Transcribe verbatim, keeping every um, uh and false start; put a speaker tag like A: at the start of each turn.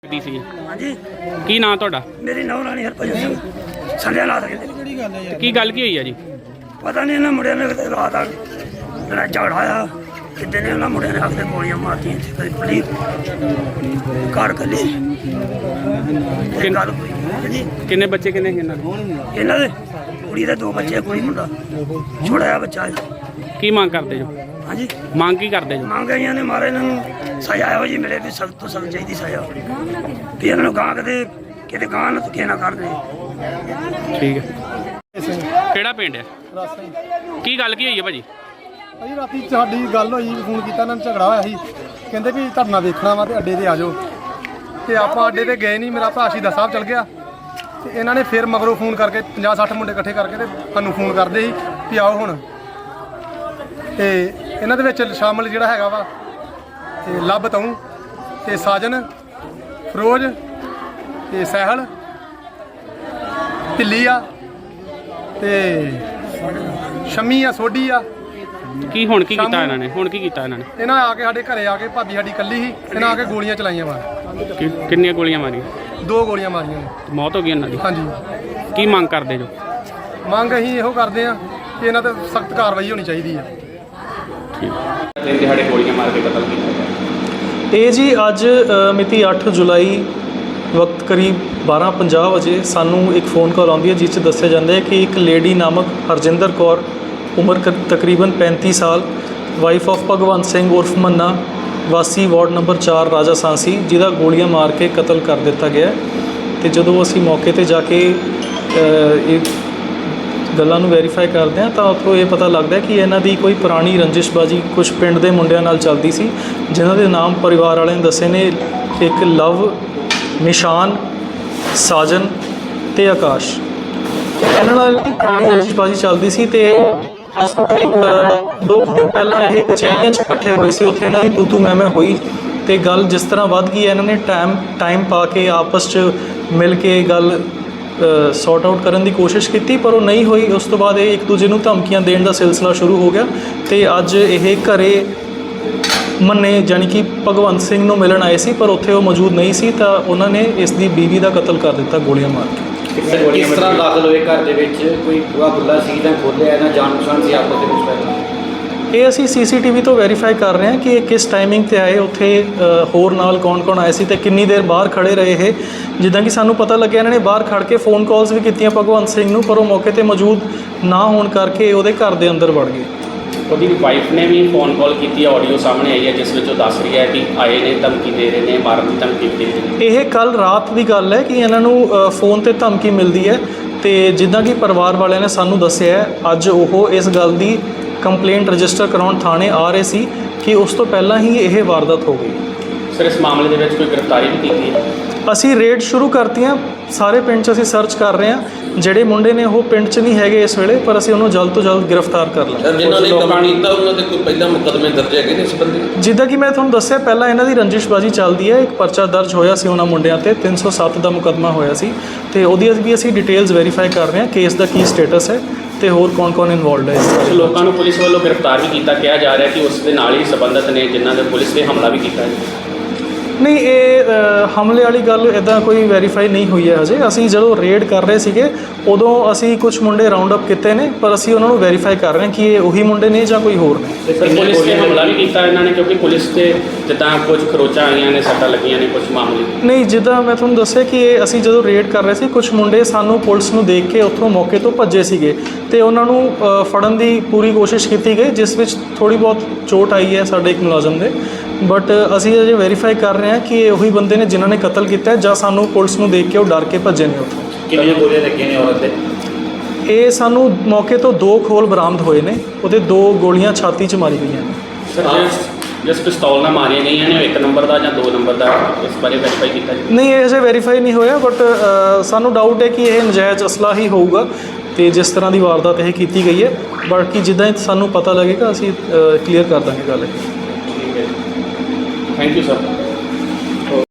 A: ਸੀ
B: ਹਾਂਜੀ
A: ਕੀ ਨਾਂ ਤੁਹਾਡਾ?
B: ਮੇਰੀ ਨੌਂ ਰਾਣੀ ਹਰਭਜਨ ਸਿੰਘ ਸੰਧਿਆ ਲਾ ਦੇ
A: ਕੀ ਗੱਲ ਕੀ ਹੋਈ ਆ ਜੀ?
B: ਪਤਾ ਨਹੀਂ ਇਹਨਾਂ ਮੁੰਡਿਆਂ ਨੇ ਕਿਤੇ ਰਾਤ ਆ ਜਿਹੜਾ ਝਗੜਾ ਆਇਆ ਕਿਤੇ ਨੇ ਉਹਨਾਂ ਮੁੰਡਿਆਂ ਨੇ ਆ ਕੇ ਗੋਲੀਆਂ ਮਾਰਤੀਆਂ ਕਦੇ ਪੁਲਿਸ ਕਾਰ ਕੱਲੀ ਇਹ ਗੱਲ ਹੋਈ ਹਾਂਜੀ।
A: ਕਿੰਨੇ ਬੱਚੇ ਕਿੰਨੇ ਸੀ ਇਹਨਾਂ ਦੇ?
B: ਇਹਨਾਂ ਦੇ ਕੁੜੀ ਦੇ ਦੋ ਬੱਚੇ ਕੁੜੀ ਮੁੰਡਾ ਛੋਟਾ ਜਿਹਾ ਬੱਚਾ ਹੈ।
A: ਕੀ ਮੰਗ ਕਰਦੇ ਜੋ?
B: ਹਾਂਜੀ
A: ਮੰਗ ਕੀ ਕਰਦੇ ਜੋ?
B: ਮੰਗ ਆਈਆਂ ਨੇ ਮਾਰੇ ਇਹਨਾਂ ਨੂੰ ਸਜ਼ਾ ਇਹੋ ਜਿਹੀ ਮਿਲੇ ਵੀ ਸਖਤ ਤੋਂ ਸਖਤ ਚਾਹੀਦੀ ਸਜ਼ਾ ਵੀ ਇਹਨਾਂ ਨੂੰ ਗਾਂ ਕਿਤੇ ਕਿਤੇ ਗਾਂ ਨਾ ਧੱਕੇ ਨਾ ਕਰਦੇ।
A: ਠੀਕ ਹੈ। ਕਿਹੜਾ ਪਿੰਡ ਹੈ? ਕੀ ਗੱਲ ਕੀ ਹੋਈ ਹੈ ਭਾਜੀ?
C: ਭਾਜੀ ਰਾਤੀ ਸਾਡੀ ਗੱਲ ਹੋਈ, ਫੋਨ ਕੀਤਾ ਇਹਨਾਂ ਨੂੰ, ਝਗੜਾ ਹੋਇਆ ਸੀ, ਕਹਿੰਦੇ ਵੀ ਧਰਨਾ ਵੇਖਣਾ ਵਾ ਤੇ ਅੱਡੇ ਤੇ ਆ ਜਾਓ ਤੇ ਆਪਾਂ ਅੱਡੇ ਤੇ ਗਏ ਨਹੀਂ। ਮੇਰਾ ਭਰਾ ਸ਼ਹੀਦਾਂ ਸਾਹਿਬ ਚਲ ਗਿਆ ਤੇ ਇਹਨਾਂ ਨੇ ਫਿਰ ਮਗਰੋਂ ਫੋਨ ਕਰਕੇ ਪੰਜਾਹ ਸੱਠ ਮੁੰਡੇ ਇਕੱਠੇ ਕਰਕੇ ਤੇ ਸਾਨੂੰ ਫੋਨ ਕਰਦੇ ਸੀ ਵੀ ਆਓ ਹੁਣ। ਤੇ ਇਹਨਾਂ ਦੇ ਵਿੱਚ ਸ਼ਾਮਲ ਜਿਹੜਾ ਹੈਗਾ ਵਾ ਤੇ ਲੱਭ ਤੂੰ ਤੇ ਸਾਜਨ ਫਰੋਜ਼ ਤੇ ਸਹਿਲ ਢਿੱਲੀ ਆ ਤੇ ਸ਼ਮੀ ਆ ਸੋਢੀ ਆ।
A: ਕੀ ਹੁਣ ਕੀ ਕੀਤਾ ਇਹਨਾਂ ਨੇ? ਹੁਣ ਕੀ ਕੀਤਾ ਇਹਨਾਂ ਨੇ?
C: ਇਹਨਾਂ ਆ ਕੇ ਸਾਡੇ ਘਰੇ ਆ ਕੇ ਭਾਬੀ ਸਾਡੀ ਇਕੱਲੀ ਸੀ, ਇਹਨਾਂ ਆ ਕੇ ਗੋਲੀਆਂ ਚਲਾਈਆਂ ਵਾ।
A: ਕਿ- ਕਿੰਨੀਆਂ ਗੋਲੀਆਂ ਮਾਰੀਆਂ?
C: ਦੋ ਗੋਲੀਆਂ ਮਾਰੀਆਂ ਨੇ।
A: ਮੌਤ ਹੋ ਗਈ ਇਹਨਾਂ ਦੀ?
C: ਹਾਂਜੀ।
A: ਕੀ ਮੰਗ ਕਰਦੇ ਜੋ?
C: ਮੰਗ ਅਸੀਂ ਇਹੋ ਕਰਦੇ ਆ ਕਿ ਇਹਨਾਂ ਤੇ ਸਖਤ ਕਾਰਵਾਈ ਹੋਣੀ ਚਾਹੀਦੀ ਆ।
A: ਤਿੰਨ ਦਿਹਾੜੇ ਗੋਲੀਆਂ ਮਾਰ ਕੇ ਕਤਲ ਕੀਤਾ।
D: ਇਹ ਜੀ ਅੱਜ ਅ, ਮਿਤੀ ਅੱਠ ਜੁਲਾਈ ਵਕਤ ਕਰੀਬ ਬਾਰਾਂ ਪੰਜਾਹ ਵਜੇ ਸਾਨੂੰ ਇੱਕ ਫੋਨ ਕਾਲ ਆਉਂਦੀ ਹੈ ਜਿਸ 'ਚ ਦੱਸਿਆ ਜਾਂਦਾ ਹੈ ਕਿ ਇੱਕ ਲੇਡੀ ਨਾਮਕ ਹਰਜਿੰਦਰ ਕੌਰ ਉਮਰ ਕ- ਤਕਰੀਬਨ ਪੈਂਤੀ ਸਾਲ ਵਾਈਫ ਆਫ ਭਗਵੰਤ ਸਿੰਘ ਉਰਫ ਮੰਨਾ ਵਾਸੀ ਵਾਰਡ ਨੰਬਰ ਚਾਰ ਰਾਜਾ ਸਾਂਸੀ ਜਿਹਦਾ ਗੋਲੀਆਂ ਮਾਰ ਕੇ ਕਤਲ ਕਰ ਦਿੱਤਾ ਗਿਆ। ਤੇ ਜਦੋਂ ਅਸੀਂ ਮੌਕੇ ਤੇ ਜਾ ਕੇ ਅ, ਇਹ ਗੱਲਾਂ ਨੂੰ ਵੈਰੀਫਾਈ ਕਰਦੇ ਹਾਂ ਤਾਂ ਉੱਥੋਂ ਇਹ ਪਤਾ ਲੱਗਦਾ ਕਿ ਇਹਨਾਂ ਦੀ ਕੋਈ ਪੁਰਾਣੀ ਰੰਜਿਸ਼ਬਾਜੀ ਕੁਝ ਪਿੰਡ ਦੇ ਮੁੰਡਿਆਂ ਨਾਲ ਚੱਲਦੀ ਸੀ, ਜਿਨ੍ਹਾਂ ਦੇ ਨਾਮ ਪਰਿਵਾਰ ਵਾਲਿਆਂ ਨੇ ਦੱਸੇ ਨੇ। ਇੱਕ ਲਵ, ਨਿਸ਼ਾਨ, ਸਾਜਨ ਤੇ ਆਕਾਸ਼। ਇਹਨਾਂ ਨਾਲ ਪੁਰਾਣੀ ਰੰਜਿਸ਼ਬਾਜੀ ਚੱਲਦੀ ਸੀ ਤੇ ਦੋ ਦਿਨ ਪਹਿਲਾਂ ਇਹ ਕਚਹਿਰੀਆਂ 'ਚ ਇਕੱਠੇ ਹੋਏ ਸੀ। ਉੱਥੇ ਇਹਨਾਂ ਦੀ ਤੂ ਤੂ ਮੈਂ ਮੈਂ ਹੋਈ ਤੇ ਗੱਲ ਜਿਸ ਤਰ੍ਹਾਂ ਵੱਧ ਗਈ, ਇਹਨਾਂ ਨੇ ਟਾਈਮ ਟਾਈਮ ਪਾ ਕੇ ਆਪਸ 'ਚ ਮਿਲ ਕੇ ਗੱਲ ਸੌਰਟ ਆਊਟ ਕਰਨ ਦੀ ਕੋਸ਼ਿਸ਼ ਕੀਤੀ, ਪਰ ਉਹ ਨਹੀਂ ਹੋਈ। ਉਸ ਤੋਂ ਬਾਅਦ ਇਹ ਇੱਕ ਦੂਜੇ ਨੂੰ ਧਮਕੀਆਂ ਦੇਣ ਦਾ ਸਿਲਸਿਲਾ ਸ਼ੁਰੂ ਹੋ ਗਿਆ ਤੇ ਅੱਜ ਇਹ ਘਰੇ ਮੰਨੇ ਜਾਣੀ ਕਿ ਭਗਵੰਤ ਸਿੰਘ ਨੂੰ ਮਿਲਣ ਆਏ ਸੀ, ਪਰ ਉੱਥੇ ਉਹ ਮੌਜੂਦ ਨਹੀਂ ਸੀ ਤਾਂ ਉਹਨਾਂ ਨੇ ਇਸ ਦੀ ਬੀਵੀ ਦਾ ਕਤਲ ਕਰ ਦਿੱਤਾ ਗੋਲੀਆਂ ਮਾਰ ਕੇ।
E: ਕਿਸ ਤਰ੍ਹਾਂ ਦਾਖਲ ਹੋਏ ਘਰ ਦੇ ਵਿੱਚ? ਕੋਈ ਬੂਹਾ ਖੁੱਲ੍ਹਾ ਸੀ ਜਾਂ ਖੋਲ੍ਹਿਆ? ਇਹਨਾਂ ਜਾਣ ਪਛਾਣ ਸੀ ਆਪਸ ਦੇ ਵਿੱਚ?
D: ਇਹ ਅਸੀਂ ਸੀ ਸੀ ਟੀ ਵੀ ਤੋਂ ਵੈਰੀਫਾਈ ਕਰ ਰਹੇ ਹਾਂ ਕਿ ਇਹ ਕਿਸ ਟਾਈਮਿੰਗ ਤੇ ਆਏ, ਉੱਥੇ ਅ, ਹੋਰ ਨਾਲ ਕੌਣ-ਕੌਣ ਆਏ ਸੀ ਤੇ ਕਿੰਨੀ ਦੇਰ ਬਾਹਰ ਖੜੇ ਰਹੇ ਇਹ। ਜਿੱਦਾਂ ਕਿ ਸਾਨੂੰ ਪਤਾ ਲੱਗਿਆ ਇਹਨਾਂ ਨੇ ਬਾਹਰ ਖੜ ਕੇ ਫੋਨ ਕਾਲਸ ਵੀ ਕੀਤੀਆਂ ਭਗਵੰਤ ਸਿੰਘ ਨੂੰ, ਪਰ ਉਹ ਮੌਕੇ ਤੇ ਮੌਜੂਦ ਨਾ ਹੋਣ ਕਰਕੇ ਉਹਦੇ ਘਰ ਦੇ ਅੰਦਰ ਵੜ ਗਏ।
A: ਉਹਦੀ ਵਾਈਫ ਨੇ ਵੀ ਫੋਨ ਕਾਲ ਕੀਤੀ ਹੈ, ਆਡੀਓ ਸਾਹਮਣੇ ਆਈ ਹੈ ਜਿਸ ਵਿੱਚ ਉਹ ਦੱਸ ਰਹੀ ਹੈ ਕਿ ਆਏ ਨੇ, ਧਮਕੀ ਦੇ ਰਹੇ ਨੇ, ਮਾਰਨ ਦੀ ਧਮਕੀ ਦੇ ਰਹੇ ਨੇ।
D: ਇਹ ਕੱਲ ਰਾਤ ਦੀ ਗੱਲ ਹੈ ਕਿ ਇਹਨਾਂ ਨੂੰ ਅ, ਫੋਨ ਤੇ ਧਮਕੀ ਮਿਲਦੀ ਹੈ ਤੇ ਜਿੱਦਾਂ ਕਿ ਪਰਿਵਾਰ ਵਾਲਿਆਂ ਨੇ ਸਾਨੂੰ ਦੱਸਿਆ ਹੈ, ਅੱਜ ਉਹ ਇਸ ਗੱਲ ਦੀ ਕੰਪਲੇਂਟ ਰਜਿਸਟਰ ਕਰਾਉਣ ਥਾਣੇ ਆ ਰਹੇ ਸੀ ਕਿ ਉਸ ਤੋਂ ਪਹਿਲਾਂ ਹੀ ਇਹ ਵਾਰਦਾਤ ਹੋ ਗਈ।
A: ਸਰ ਇਸ ਮਾਮਲੇ ਦੇ ਵਿੱਚ ਕੋਈ ਗ੍ਰਿਫਤਾਰੀ ਵੀ ਕੀਤੀ ਹੈ?
D: ਅਸੀਂ ਰੇਡ ਸ਼ੁਰੂ ਕਰਤੀਆਂ, ਸਾਰੇ ਪਿੰਡ 'ਚ ਅਸੀਂ ਸਰਚ ਕਰ ਰਹੇ ਹਾਂ। ਜਿਹੜੇ ਮੁੰਡੇ ਨੇ ਉਹ ਪਿੰਡ 'ਚ ਨਹੀਂ ਹੈਗੇ ਇਸ ਵੇਲੇ, ਪਰ ਅਸੀਂ ਉਹਨੂੰ ਜਲਦ ਤੋਂ ਜਲਦ ਗ੍ਰਿਫਤਾਰ ਕਰ ਲਾਂਗੇ।
F: ਸਰ ਜਿਨ੍ਹਾਂ ਨੇ ਕੰਮ ਕੀਤਾ ਉਹਨਾਂ ਦੇ ਕੋਈ ਪਹਿਲਾਂ ਮੁਕੱਦਮੇ ਦਰਜ ਹੈਗੇ ਨੇ ਇਸ ਸੰਬੰਧੀ?
D: ਜਿੱਦਾਂ ਕਿ ਮੈਂ ਤੁਹਾਨੂੰ ਦੱਸਿਆ ਪਹਿਲਾਂ ਇਹਨਾਂ ਦੀ ਰੰਜਿਸ਼ਬਾਜੀ ਚੱਲਦੀ ਹੈ। ਇੱਕ ਪਰਚਾ ਦਰਜ ਹੋਇਆ ਸੀ ਉਹਨਾਂ ਮੁੰਡਿਆਂ ਤੇ, ਤਿੰਨ ਸੌ ਸੱਤ ਦਾ ਮੁਕੱਦਮਾ ਹੋਇਆ ਸੀ ਤੇ ਉਹਦੀ ਵੀ ਅਸੀਂ ਡਿਟੇਲਸ ਵੈਰੀਫਾਈ ਕਰ ਰਹੇ ਹਾਂ, ਕੇਸ ਦਾ ਕੀ ਸਟੇਟਸ ਹੈ ਤੇ ਹੋਰ ਕੌਣ-ਕੌਣ ਇਨਵੋਲਡ ਹੈ ਇਸ
A: ਕੁਝ ਲੋਕਾਂ ਨੂੰ ਪੁਲਿਸ ਵੱਲੋਂ ਗ੍ਰਿਫਤਾਰ ਵੀ ਕੀਤਾ, ਕਿਹਾ ਜਾ ਰਿਹਾ ਕਿ ਉਸ ਦੇ ਨਾਲ ਹੀ ਸੰਬੰਧਿਤ ਨੇ ਜਿਨ੍ਹਾਂ ਨੇ ਪੁਲਿਸ ਨੇ ਹਮਲਾ ਵੀ ਕੀਤਾ ਹੈ।
D: ਨਹੀਂ, ਇਹ ਅ, ਹਮਲੇ ਵਾਲੀ ਗੱਲ ਇੱਦਾਂ ਕੋਈ ਵੈਰੀਫਾਈ ਨਹੀਂ ਹੋਈ ਹੈ ਹਜੇ। ਅਸੀਂ ਜਦੋਂ ਰੇਡ ਕਰ ਰਹੇ ਸੀਗੇ ਉਦੋਂ ਅਸੀਂ ਕੁਝ ਮੁੰਡੇ ਰਾਉਂਡ ਅਪ ਕੀਤੇ ਨੇ, ਪਰ ਅਸੀਂ ਉਹਨਾਂ ਨੂੰ ਵੈਰੀਫਾਈ ਕਰ ਰਹੇ ਹਾਂ ਕਿ ਇਹ ਉਹੀ ਮੁੰਡੇ ਨੇ ਜਾਂ ਕੋਈ ਹੋਰ ਨੇ।
A: ਸਰ ਪੁਲਿਸ ਨੇ ਹਮਲਾ ਵੀ ਕੀਤਾ ਇਹਨਾਂ ਨੇ, ਕਿਉਂਕਿ ਪੁਲਿਸ ਤੇ ਜਿੱਦਾਂ ਕੁਝ ਖਰੋਚਾਂ ਆਈਆਂ ਨੇ, ਸੱਟਾਂ ਲੱਗੀਆਂ ਨੇ ਕੁਝ ਮਾਮਲੇ।
D: ਨਹੀਂ, ਜਿੱਦਾਂ ਮੈਂ ਤੁਹਾਨੂੰ ਦੱਸਿਆ ਕਿ ਇਹ ਅਸੀਂ ਜਦੋਂ ਰੇਡ ਕਰ ਰਹੇ ਸੀ ਕੁਝ ਮੁੰਡੇ ਸਾਨੂੰ ਪੁਲਿਸ ਨੂੰ ਦੇਖ ਕੇ ਉੱਥੋਂ ਮੌਕੇ ਤੋਂ ਭੱਜੇ ਸੀਗੇ ਤੇ ਉਹਨਾਂ ਨੂੰ ਅ, ਫੜਨ ਦੀ ਪੂਰੀ ਕੋਸ਼ਿਸ਼ ਕੀਤੀ ਗਈ, ਜਿਸ ਵਿੱਚ ਥੋੜ੍ਹੀ ਬਹੁਤ ਚੋਟ ਆਈ ਹੈ ਸਾਡੇ ਇੱਕ ਮੁਲਾਜ਼ਮ ਦੇ। ਬਟ ਅਸੀਂ ਅਜੇ ਵੈਰੀਫਾਈ ਕਰ ਰਹੇ ਹਾਂ ਕਿ ਇਹ ਉਹੀ ਬੰਦੇ ਨੇ ਜਿਨ੍ਹਾਂ ਨੇ ਕਤਲ ਕੀਤਾ ਜਾਂ ਸਾਨੂੰ ਪੁਲਿਸ ਨੂੰ ਦੇਖ ਕੇ ਉਹ ਡਰ ਕੇ ਭੱਜੇ ਨੇ ਉੱਥੋਂ।
E: ਕਿੰਨੀਆਂ ਗੋਲੀਆਂ ਲੱਗੀਆਂ ਨੇ ਔਰਤ ਦੇ?
D: ਇਹ ਸਾਨੂੰ ਮੌਕੇ ਤੋਂ ਦੋ ਖੋਲ ਬਰਾਮਦ ਹੋਏ ਨੇ, ਉਹਦੇ ਦੋ ਗੋਲੀਆਂ ਛਾਤੀ 'ਚ ਮਾਰੀ ਗਈਆਂ ਨੇ।
A: ਸਰ ਜਿਸ ਜਿਸ ਪਿਸਤੌਲ ਨਾਲ ਮਾਰੀਆਂ ਗਈਆਂ ਨੇ ਉਹ ਇੱਕ ਨੰਬਰ ਦਾ ਜਾਂ ਦੋ ਨੰਬਰ ਦਾ, ਇਸ ਬਾਰੇ ਵੈਰੀਫਾਈ ਕੀਤਾ ਜੀ?
D: ਨਹੀਂ, ਇਹ ਅਜੇ ਵੈਰੀਫਾਈ ਨਹੀਂ ਹੋਇਆ, ਬਟ ਸਾਨੂੰ ਡਾਊਟ ਹੈ ਕਿ ਇਹ ਨਜਾਇਜ਼ ਅਸਲਾ ਹੀ ਹੋਊਗਾ ਤੇ ਜਿਸ ਤਰ੍ਹਾਂ ਦੀ ਵਾਰਦਾਤ ਇਹ ਕੀਤੀ ਗਈ ਹੈ। ਬਾਕੀ ਜਿੱਦਾਂ ਹੀ ਸਾਨੂੰ ਪਤਾ ਲੱਗੇਗਾ ਅਸੀਂ ਕਲੀਅਰ ਕਰ ਦਾਂਗੇ ਗੱਲ।
A: ਠੀਕ ਹੈ, ਥੈਂਕ ਯੂ ਸਰ।